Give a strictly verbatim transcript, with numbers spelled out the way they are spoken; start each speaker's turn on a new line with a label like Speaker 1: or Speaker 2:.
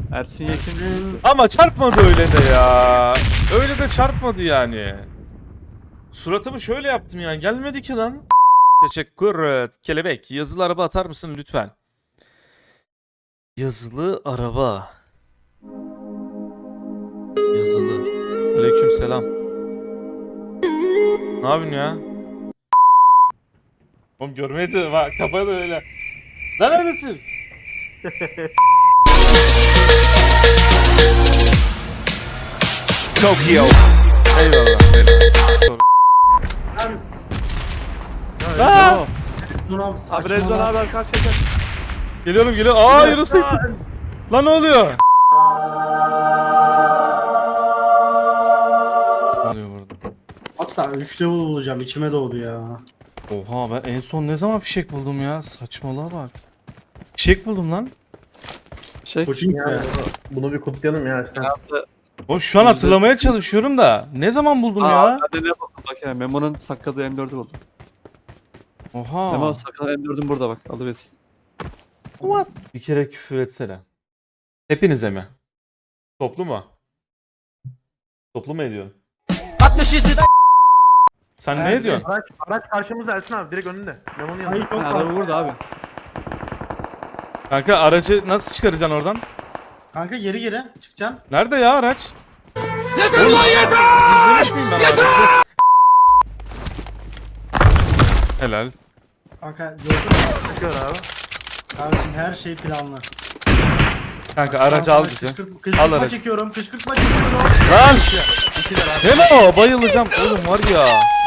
Speaker 1: Ersin Yekin düştü.
Speaker 2: Ama çarpmadı öyle de ya. Öyle de çarpmadı yani. Suratımı şöyle yaptım yani. Gelmedi ki lan. Teşekkür. Kelebek. Yazılı araba atar mısın lütfen? Yazılı araba. Yazılı. Aleyküm selam. Ne yapıyorsun ya? Oğlum görmeye çalışıyorum ha. Kafa da öyle. Lan neredesiniz?
Speaker 3: Tokyo.
Speaker 2: Eyvallah. Eyvallah. Aa!
Speaker 4: Dur abi
Speaker 1: Abi
Speaker 4: saçmalama.
Speaker 1: Rezdan abi arka çeker.
Speaker 2: Geliyorum geliyorum. Aa Yunus da gitti. Lan ne oluyor? Ne oluyor burada?
Speaker 4: Hatta üç level bulacağım içime doğdu ya.
Speaker 2: Oha ben en son ne zaman fişek buldum ya? Saçmalığa bak. Fişek buldum lan.
Speaker 1: Şey.
Speaker 4: Koçing be.
Speaker 5: Bunu bir kutlayalım ya. Sen.
Speaker 2: O şu an hatırlamaya çalışıyorum da. Ne zaman buldum
Speaker 1: Aa,
Speaker 2: ya?
Speaker 1: ben de ne buldum bak ya. Memo'nun sakladığı M dördü buldum.
Speaker 2: Oha.
Speaker 1: Memo sakladığı M dördün burada bak. Alıversin.
Speaker 2: What? Bir kere küfür etsene. Hepinize mi? Toplu mu? Toplu mu ediyorsun? Sen ne
Speaker 4: Evet,
Speaker 2: ediyorsun?
Speaker 5: Araç, araç karşımızda Ersin abi direkt önünde. Memo'nun
Speaker 4: Sayı
Speaker 5: yanında.
Speaker 4: çok
Speaker 1: Ha,
Speaker 4: var.
Speaker 1: araba burada abi.
Speaker 2: Kanka aracı nasıl çıkaracaksın oradan?
Speaker 4: Kanka geri geri çıkacaksın.
Speaker 2: Nerede ya araç? Yeter lan yeter! İzlemiş miyim ben aracı? Helal.
Speaker 4: Kanka gördün mü?
Speaker 5: Çıkıyor abi.
Speaker 4: Kardeşim her şey planlı.
Speaker 2: Kanka aracı al bizi.
Speaker 4: Kışkırt-
Speaker 2: Al
Speaker 4: Kışkırtma
Speaker 2: aracı.
Speaker 4: çekiyorum, kışkırtma çekiyorum.
Speaker 2: Lan! Deme o bayılacağım. Oğlum var ya.